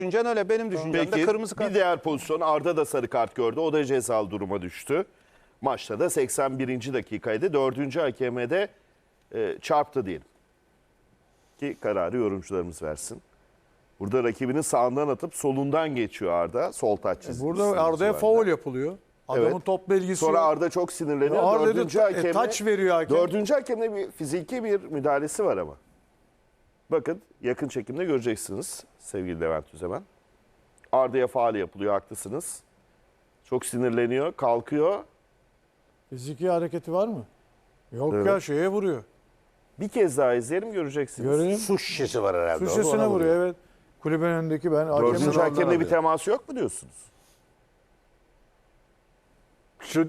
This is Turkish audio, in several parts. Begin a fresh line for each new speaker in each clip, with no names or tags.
düşüncen öyle. Benim düşüncem de
Peki
kırmızı kart.
bir diğer pozisyon, Arda da sarı kart gördü. O da cezalı duruma düştü. Maçta da 81. dakikaydı. 4. hakeme de çarptı diyelim. Ki kararı yorumcularımız versin. Burada rakibinin sağından atıp solundan geçiyor Arda. Sol taç çizgisi.
Burada Arda'ya faul yapılıyor. Adamın
Evet.
topla ilgisi
Sonra
yok.
Arda çok sinirleniyor.
Arda da
Dördüncü hakeme,
taç veriyor hakem.
Dördüncü hakemde bir fiziki bir müdahalesi var ama. Bakın yakın çekimde göreceksiniz sevgili Levent Üzemen. Arda'ya faul yapılıyor, haklısınız. Çok sinirleniyor, kalkıyor.
Fiziki hareketi var mı? Yok
Evet.
ya, şeye vuruyor.
Bir kez daha izleyelim, göreceksiniz.
Görelim.
Su şişesi var herhalde.
Su şişesine
Ona
vuruyor, evet. Kulübün önündeki ben
Dördüncü
hakemin
hakemle bir
alıyor.
teması yok mu diyorsunuz?
Şu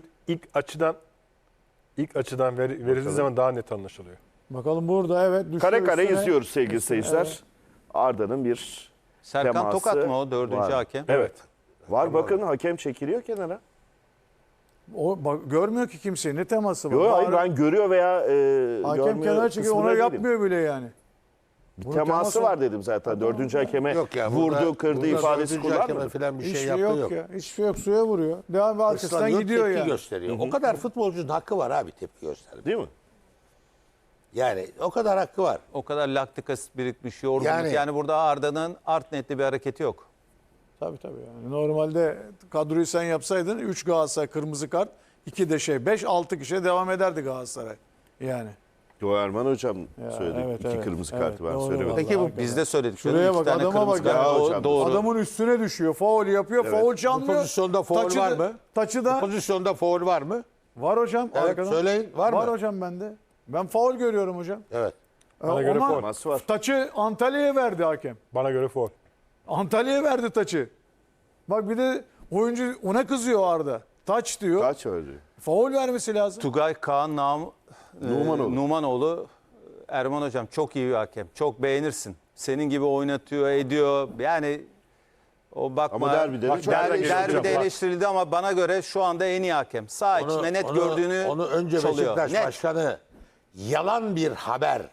ilk açıdan verildiği zaman daha net anlaşılıyor.
bakalım burada, evet. düşüyor
Kare kare
üstüne.
izliyoruz sevgili seyirciler.
Evet.
Arda'nın bir
Serkan
teması
Tokat mı o dördüncü
var.
hakem?
Evet.
Var, bakın hakem çekiliyor kenara.
O, bak, görmüyor ki kimseyi. Ne teması var?
Yok, hayır,
Bari
ben görüyor veya
hakem
görmüyor
kenara çekiyor.
kısmında
Ona
değilim.
yapmıyor bile yani. Bunun
Teması var dedim zaten. Dördüncü hakeme
Yok ya,
vurdu,
burada-
kırdı
burada
ifadesi
dördüncü hakeme
kullanmadı.
falan bir
Hiçbir
şey
şey
yaptığı
yok
yok.
ya. Hiçbir şey yok. Suya vuruyor. Devam ve arkasından
Islanıyor,
gidiyor
tepki
yani.
gösteriyor. O kadar futbolcunun hakkı var abi tepki göstermek.
Değil mi?
Yani o kadar hakkı var.
O kadar laktik asit birikmiş, yorgunluk. Yani,
Yani-
burada Arda'nın art netli bir hareketi yok.
Tabii yani. Normalde kadroyu sen yapsaydın 3 Galatasaray kırmızı kart, 2 de 5 6 kişiye devam ederdi Galatasaray. Yani.
Yo, Erman hocam söyledi.
evet,
İki
evet.
kırmızı
Evet,
kartı ben
doğru
söylemedim.
vallahi.
Peki bu
hakikaten.
biz de söyledik.
Şuraya
İki
bak,
tane
adama
kırmızı
bak
kart.
ya
O
hocam.
doğru.
Adamın üstüne düşüyor. Faul yapıyor. Faul çalmıyor.
pozisyonda faul
Taçı
var
da-
mı?
Taçı
Bu
da
pozisyonda faul var mı?
var hocam.
Evet,
arkadan.
söyleyin, var mı?
Var hocam bende. Ben faul görüyorum hocam.
Evet.
Bana göre
Ama
faul.
Teması var.
taçı Antalya'ya verdi hakem.
Bana göre faul.
Antalya'ya verdi taçı. Bak bir de oyuncu ona kızıyor Arda. Taç diyor.
Kaç öldü?
Faul vermesi lazım.
Tugay Kaan
Numanoğlu.
Numanoğlu. Erman hocam çok iyi bir hakem. Çok beğenirsin. Senin gibi oynatıyor, ediyor. Yani o bakma.
Ama derbide de
Bak,
çok eleştirildi
derbide
hocam, bak.
eleştirildi ama bana göre şu anda en iyi hakem. Sağ içinde net gördüğünü
onu önce
çalıyor.
Beşiktaş
Net.
Başkanı yalan bir haber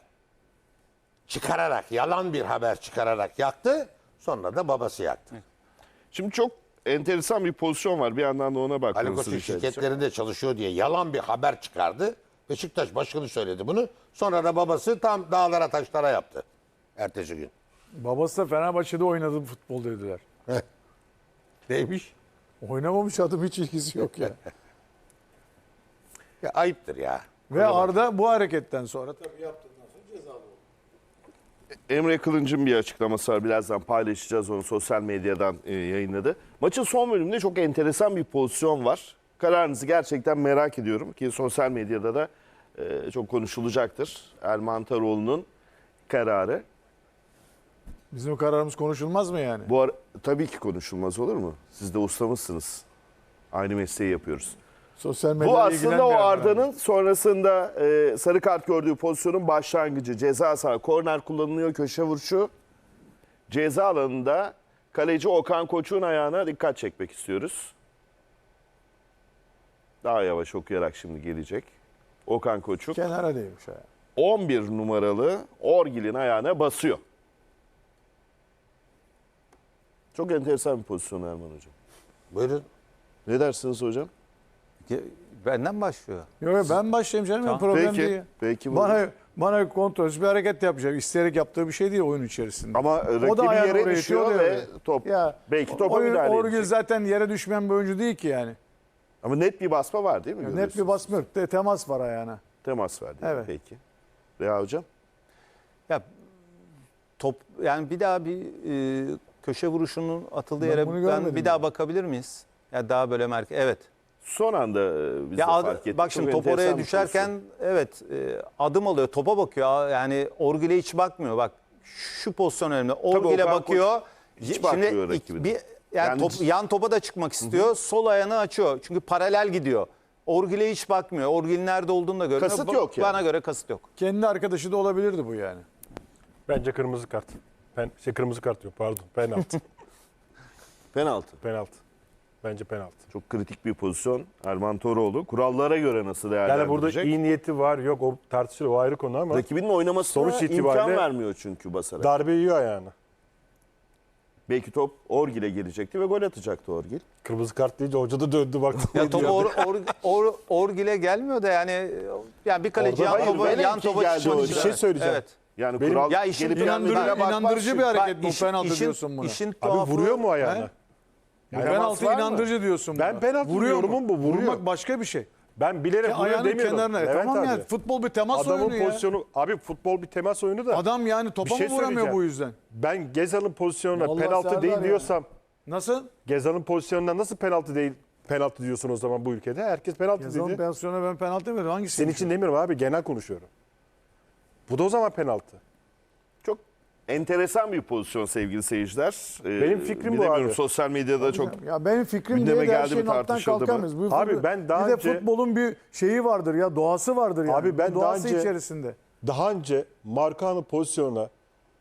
çıkararak yaktı. Sonra da babası yaktı.
Şimdi çok enteresan bir pozisyon var. Bir yandan da ona
Ali
bakmanızı
Koç'un
rica edeceğim.
şirketlerinde çalışıyor diye yalan bir haber çıkardı. Beşiktaş Başkanı söyledi bunu. Sonra da babası tam dağlara taşlara yaptı. Ertesi gün.
Babası da Fenerbahçe'de oynadı futbol dediler.
Neymiş?
Oynamamış, adım hiç ilgisi yok ya.
Ya ayıptır ya.
Ve Arda bu hareketten sonra tabii yaptığından sonra cezalı oldu.
Emre Kılınç'ın bir açıklaması var. Birazdan paylaşacağız, onu sosyal medyadan yayınladı. Maçın son bölümünde çok enteresan bir pozisyon var. Kararınızı gerçekten merak ediyorum ki sosyal medyada da çok konuşulacaktır. Erman Toroğlu'nun kararı.
Bizim kararımız konuşulmaz mı yani?
Bu tabii ki konuşulmaz, olur mu? Siz de ustamızsınız. Aynı mesleği yapıyoruz.
Sosyal medyayla
Bu aslında o
ilgilenmeyen
Arda'nın sonrasında sarı kart gördüğü pozisyonun başlangıcı. Ceza sahası, korner kullanılıyor, köşe vuruşu. Ceza alanında kaleci Okan Koçuk'un ayağına dikkat çekmek istiyoruz. Daha yavaş okuyarak şimdi gelecek. Okan Koçuk
kenara değmiş ya.
11 numaralı Orgil'in ayağına basıyor. Çok enteresan bir pozisyon Erman Hocam.
Buyurun.
Ne dersiniz hocam?
Benden başlıyor.
Yok ben başlayayım canım,
Tamam.
problem
Peki,
değil.
peki.
Bana kontrolsüz bir hareket yapacak. İsteyerek yaptığı bir şey değil oyun içerisinde.
Ama rakibi
ayağını
yere
oraya
düşüyor
itiyor,
ve
öyle.
top
Ya,
belki topa müdahale
Orgül
edecek.
zaten yere düşmeyen bir oyuncu değil ki yani.
Ama net bir basma var değil mi?
Net
Görüyorsunuz.
bir basma yok. Temas var ayağına.
Temas var değil mi?
Evet.
Peki. Reha Hocam?
Ya top yani bir daha bir köşe vuruşunun atıldığı
Ben
yere
bunu
ben
görmedim
bir daha
ya.
bakabilir miyiz? Ya daha böyle merkez. Evet.
Son anda biz de
Ya
fark ettik.
bak şimdi
Çok
top
enteresan
oraya
bir
düşerken
pozisyon.
evet topa alıyor. Topa bakıyor. Yani Orgül'e hiç bakmıyor. Bak şu pozisyon önemli. Orgül'e
Okan
bakıyor.
hiç bakmıyor rakibine. Yani
yan topa da çıkmak istiyor. Sol ayağını açıyor. Çünkü paralel gidiyor. Orgül'e hiç bakmıyor. Orgül'ün nerede olduğunu da görmüyor.
Kasıt yok yani.
Bana göre kasıt yok.
Kendi arkadaşı da olabilirdi bu yani.
Bence kırmızı kart. Kırmızı kart yok, pardon. Penaltı.
Penaltı.
Penaltı. Bence penaltı.
Çok kritik bir pozisyon. Erman Toroğlu. Kurallara göre nasıl değerlendirecek?
Yani burada iyi niyeti var, yok o tartışılır, o ayrı konu ama
Rakibinin oynamasına
Sonuç
imkan
itibariyle
vermiyor çünkü basarak.
darbe yiyor ayağına.
Belki top Orgil'e gelecekti ve gol atacaktı Orgil.
Kırmızı kart deyince hoca da döndü baktı.
Ya top Orgil'e gelmiyor da yani bir kaleci
Orada
yan
hayır,
topa
velev ki
çıkmak
geldi
için.
o
Bir şey söyleyeceğim.
Evet.
Yani
Benim-
kural
Ya işin
gelip
inandırıcı-
gelmediğine bakmaz
İnandırıcı bir
çünkü.
hareket bu, penaltı diyorsun buna.
İşin
Abi
tuhafı,
vuruyor mu ayağına?
He?
Yani
Penaltı
temas var mı?
inandırıcı diyorsun buna.
Ben penaltı
Vuruyor
yorumum
mu?
bu, vuruyor.
Vurmak başka bir şey.
Ben bilerek vuruyor
Ayağının
demiyorum.
kenarına.
Levent
Tamam
abi.
yani futbol bir temas
Adamın
oyunu ya.
pozisyonu, abi futbol bir temas oyunu da.
Adam yani topa
Bir şey
mı vuramıyor
söyleyeceğim.
bu yüzden?
Ben Gezal'ın pozisyonuna
Vallahi
penaltı
Serdar
değil
ya.
diyorsam,
Nasıl?
Gezal'ın pozisyonuna nasıl penaltı değil, penaltı diyorsun o zaman bu ülkede? Herkes penaltı
Yazalım
dedi.
pozisyona ben penaltı demiyorum. Hangisi?
Senin için demiyorum abi, genel konuşuyorum. Bu da o zaman penaltı.
Çok enteresan bir pozisyon sevgili seyirciler.
Benim fikrim bu
bilemiyorum,
abi.
sosyal medyada çok
Ya benim fikrim
gündeme
diye de her
geldi mi,
şeyin alttan
tartışıldı mı?
kalkamayız.
Abi ben daha
bir
önce-
de futbolun bir şeyi vardır ya, doğası vardır yani.
Abi ben
Bu doğası
daha önce-
içerisinde.
Daha önce Marcano pozisyonuna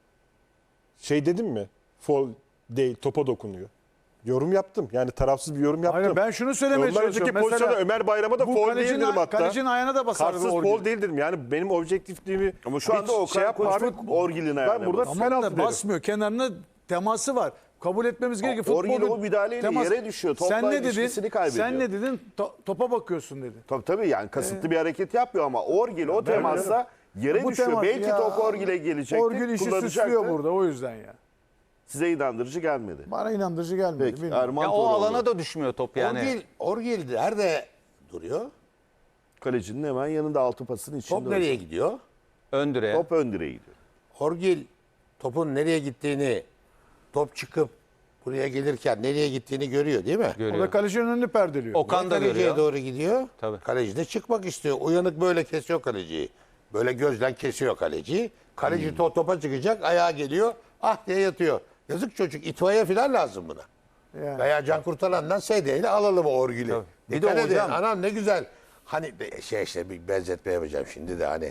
şey dedim mi? Foul değil, topa dokunuyor. Yorum yaptım. Yani tarafsız bir yorum yaptım.
Hayır, ben şunu söylemeye
Ondan önceki
çalışıyorum.
pozisyonda Ömer Bayram'a da
bu
foul
kalecinin-
değil dedim hatta.
Kalecinin ayağına da basardı
Kartsız
Orgil.
foul değil dedim. Yani benim objektifliğimi
ama şu anda
hiç şey
Okan
yapma
Koç
abi.
Orgil'in ayağına
Ben burada
basıyor.
Tamam
penaltı
da
derim.
basmıyor. Kenarına teması var. Kabul etmemiz gerekiyor.
Orgil
Futbolun
o müdahaleyle yere düşüyor. Topla
Sen ne dedin?
ilişkisini kaybediyor.
Sen ne dedin? Topa bakıyorsun dedi.
Tabii yani kasıtlı bir hareket yapmıyor ama Orgil o temasla yere
Bu
düşüyor.
temas
Belki
ya,
top Orgil'e gelecekti.
Orgil işi
kullanacaktı.
süslüyor burada o yüzden ya.
Size inandırıcı gelmedi.
Bana inandırıcı gelmedi.
Peki
bilmiyorum.
Erman
ya o
Toroğlu.
alana da düşmüyor top yani.
Orgil nerede duruyor?
Kalecinin hemen yanında altı pasın içinde.
Top nereye gidiyor?
Ön direğe.
Top ön direğe gidiyor.
Orgil topun nereye gittiğini, top çıkıp buraya gelirken nereye gittiğini görüyor değil mi?
O
Görüyor.
da kalecinin önünü perdeliyor.
Okan da
Kaleciye
görüyor.
doğru gidiyor.
Tabii.
Kaleci de çıkmak istiyor. Uyanık böyle kesiyor kaleciyi. Böyle gözden kesiyor kaleciyi. Kaleci topa çıkacak, ayağa geliyor. Ah diye yatıyor. Yazık çocuk, itfaiye falan lazım buna.
Yani.
Veya Can Kurtaran'dan sedyeyle alalım o Orgil'i.
Bir de
Dikkat edin,
hocam-
anam ne güzel. Hani işte bir benzetme yapacağım şimdi de hani.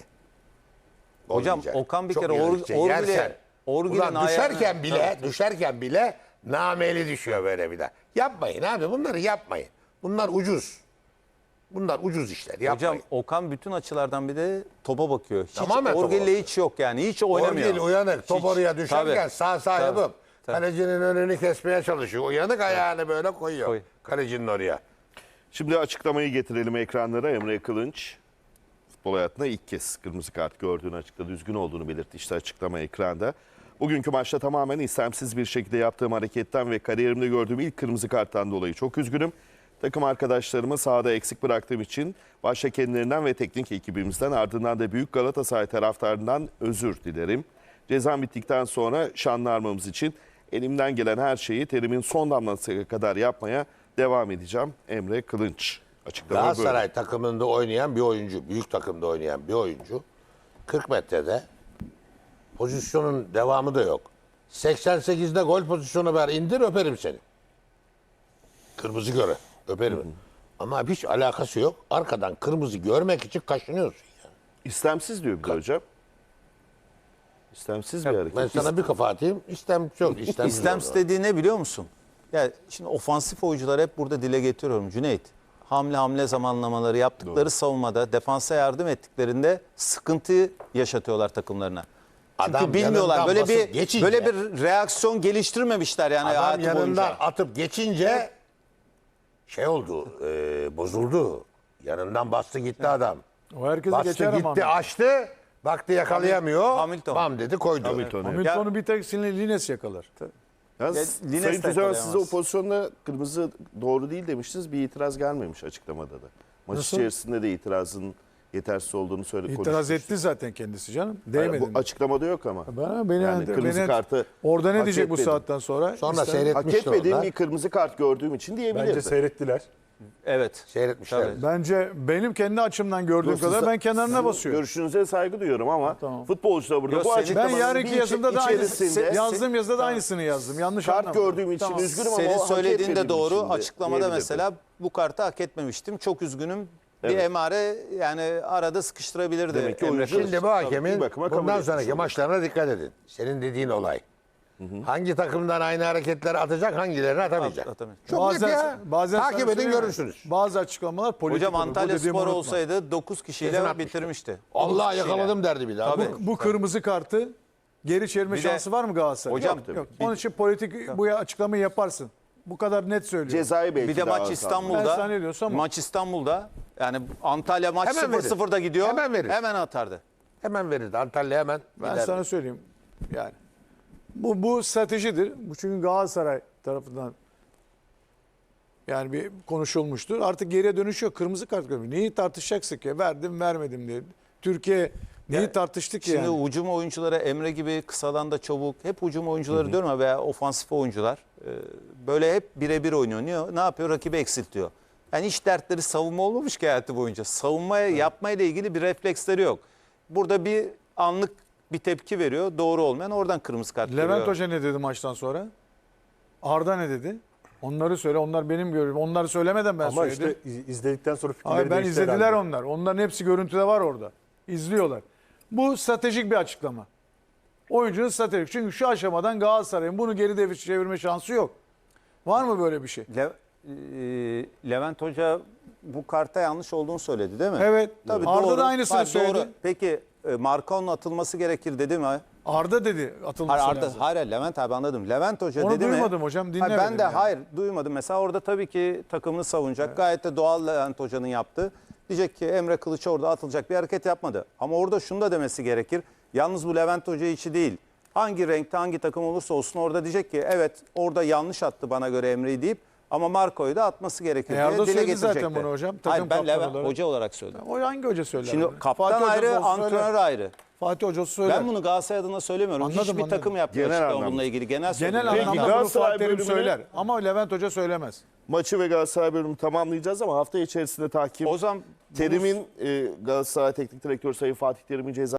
Hocam,
Olmayacak.
Okan bir
Çok
kere
yürüyecek,
Orgil'e-
yersen.
Orgil'in
Ulan düşerken
ayağına-
düşerken bile nameli düşüyor böyle bir de. Yapmayın abi, bunları yapmayın. Bunlar ucuz. Bunlar ucuz işler, yapmayın.
Hocam Okan bütün açılardan bir de topa bakıyor. Hiç
Tamamen topa
Orgil'le
bakıyor.
hiç yok yani. Hiç oynamıyor.
Orgil uyanık, top
Hiç.
oraya düşerken
Tabii.
sağ
Tabii.
yapıp
Tabii.
kalecinin önünü kesmeye çalışıyor. Uyanık ayağını böyle koyuyor.
Koy.
Kalecinin oraya.
Şimdi açıklamayı getirelim ekranlara. Emre Kılınç futbol hayatında ilk kez kırmızı kart gördüğünü açıkladı. Üzgün olduğunu belirtti işte açıklama ekranda. Bugünkü maçta tamamen istemsiz bir şekilde yaptığım hareketten ve kariyerimde gördüğüm ilk kırmızı karttan dolayı çok üzgünüm. Takım arkadaşlarımı sahada eksik bıraktığım için başta kendilerinden ve teknik ekibimizden ardından da Büyük Galatasaray taraftarından özür dilerim. Cezam bittikten sonra şanlı armamız için elimden gelen her şeyi terimin son damlasına kadar yapmaya devam edeceğim. Emre Kılınç. Açıklama böyle.
Galatasaray takımında oynayan bir oyuncu, büyük takımda oynayan bir oyuncu 40 metrede pozisyonun devamı da yok. 88'de gol pozisyonu ver, indir öperim seni. Kırmızı göre öperim. Ama hiç alakası yok. Arkadan kırmızı görmek için kaşınıyorsun. Yani.
İstemsiz diyor bir de hocam. İstemsiz bir hareket.
Ben sana bir kafa atayım. Yok.
İstemsiz dediği ne biliyor musun? Ya şimdi ofansif oyuncular hep burada dile getiriyorum Cüneyt. Hamle zamanlamaları yaptıkları savunmada defansa yardım ettiklerinde sıkıntı yaşatıyorlar takımlarına. Çünkü
Adam
bilmiyorlar.
yanından
Böyle
basıp
bir
geçince-
böyle bir reaksiyon geliştirmemişler yani
Adam
hayatı
yanından
boyunca.
atıp geçince şey oldu, bozuldu. Yanından bastı gitti adam.
O herkesi
Bastı
geçer ama.
gitti, açtı. Baktı yakalayamıyor.
Hamilton.
Bam dedi koydu.
Hamilton, evet.
Hamilton'u bir tek Lines yakalar.
Yalnız
Ya, Lines
Sayın
de
Tüzel size o
yakalayamaz.
pozisyonda kırmızı doğru değil demiştiniz. Bir itiraz gelmemiş açıklamada da. Maç
Nasıl?
içerisinde de itirazın yetersiz olduğunu
İtiraz
konuşmuştuk.
etti zaten kendisi canım.
Hayır,
Değmedi.
bu açıklamada yok ama.
Beni
Yani kırmızı kartı
orada ne
hak
diyecek bu
etmedim.
saatten sonra?
Sonra
İster-
Hak
seyretmişler
etmediğim
onlar.
bir kırmızı kart gördüğüm için diyebilirdi.
Bence seyrettiler.
Evet.
Seyretmişler.
Tabii.
Bence benim kendi açımdan gördüğüm
Yok,
kadar
siz-
ben kenarına
sizin
basıyorum.
Görüşünüze saygı duyuyorum ama
Tamam.
futbolcu da burada
Yok,
bu
senin-
Ben
açıklamanın
yarınki
bir
yazımda da
içerisinde
yazdığım yazıda da aynısını yazdım. Yanlış
kart
anlamadım.
gördüğüm için
Tamam.
üzgünüm ama
Senin
o hak
söylediğin de
etmediğim
doğru.
için de
Açıklamada
diyebilirdim.
mesela bu kartı hak etmemiştim. Çok üzgünüm. Bir
Evet.
emare yani arada sıkıştırabilirdi.
Demek ki
Emre
oyuncu-
Kılıç.
Şimdi bu
Tabii,
hakemin
bir bakıma kabul
bundan
etmiş
sonraki
oluyor.
maçlarına dikkat edin. Senin dediğin olay. Hangi takımdan aynı hareketleri atacak, hangilerini atamayacak.
Atamayacak.
Çok net ya. Takip
sana
edin
söyleyeyim mi?
görürsünüz.
Bazı açıklamalar politik
Hocam
olur. Bu
Antalya
dediğimi
Spor
unutma.
olsaydı 9
Kesin
kişiyle
atmıştı.
bitirmişti.
Allah
9 kişiyle.
yakaladım derdi bir daha.
Tabii.
Bu kırmızı kartı Geri çevirme
Bir de-
şansı var mı Galatasaray?
Hocam,
yok. Onun için politik bu açıklamayı yaparsın. Bu kadar net söylüyorum.
Cezayı belki
Bir de
daha
maç
az
İstanbul'da.
Ben sana ne diyorsam o.
Maç İstanbul'da. Yani Antalya maç
Hemen verir.
0-0'da gidiyor.
Hemen verir.
Hemen atardı.
Hemen verirdi. Antalya hemen
Ben
giderdi.
sana söyleyeyim. Yani bu stratejidir. Bu çünkü Galatasaray tarafından yani bir konuşulmuştur. Artık geriye dönüş yok. Kırmızı kart görmüyor. Neyi tartışacaksın ki? Verdim vermedim diye. Türkiye neyi tartıştı ki
Şimdi
yani?
hücum oyuncuları Emre gibi kısadan da çabuk. Hep hücum oyuncuları diyorum ya veya ofansif oyuncular. Böyle hep birebir oynuyor. Ne yapıyor? Rakibi eksiltiyor. Yani hiç dertleri savunma olmamış ki hayatı boyunca. Savunmaya yapmayla ilgili bir refleksleri yok. Burada bir anlık bir tepki veriyor. Doğru olmayan oradan kırmızı kart
Levent
görüyor.
Hoca ne dedi maçtan sonra? Arda ne dedi? Onları söyle. Onlar benim görüşüm. Onları söylemeden ben
Ama
söyledim.
işte izledikten sonra fikirleri
Hayır, ben
değişti
izlediler
herhalde.
onlar. Onların hepsi görüntüde var orada. İzliyorlar. Bu stratejik bir açıklama. Oyuncunun stratejik. Çünkü şu aşamadan Galatasaray'ın bunu geri çevirme şansı yok. Var mı böyle bir şey?
Levent Hoca bu karta yanlış olduğunu söyledi değil mi?
Evet.
Tabii
Arda
doğru.
da aynısını
Hayır,
söyledi.
Doğru. Peki Marcao'nun atılması gerekir dedi mi?
Arda dedi atılması
Hayır,
lazım.
hayır Levent abi anladım. Levent Hoca
Onu
dedi mi?
duymadım hocam,
Hayır,
dinlemedim
ben de
yani.
hayır duymadım. Mesela orada tabii ki takımını savunacak. Gayet de doğal Levent Hoca'nın yaptığı. Diyecek ki Emre Kılıç orada atılacak bir hareket yapmadı. Ama orada şunu da demesi gerekir. Yalnız bu Levent Hoca içi değil. Hangi renkte hangi takım olursa olsun orada diyecek ki evet orada yanlış attı bana göre Emre'yi deyip ama Marco'yu da atması gerekir diye
Arda
dile
söyledi
getirecekti.
zaten bunu hocam, takım
Hayır ben
kaptanı
Levent
olarak.
Hoca olarak söyledim.
O hangi hoca söyler?
Şimdi
bunu?
kaptan
Fatih
ayrı,
Hocası olsa
antrenör
söyler.
ayrı.
Fatih Hocası söyler.
Ben bunu Galatasaray adına söylemiyorum.
Anladım,
Hiçbir
anladım.
takım yapmıyor
Genel
açıklama
anlamda.
bununla ilgili. Genel
Genel
söylüyorum.
anlamda bunu
Galatasaray
Fatih Terim
bölümüne-
söyler. Ama Levent Hoca söylemez.
Maçı ve Galatasaray bölümünü tamamlayacağız ama hafta içerisinde takip.
O zaman
Terim'in Galatasaray Teknik Direktörü Sayın Fatih Terim'in ceza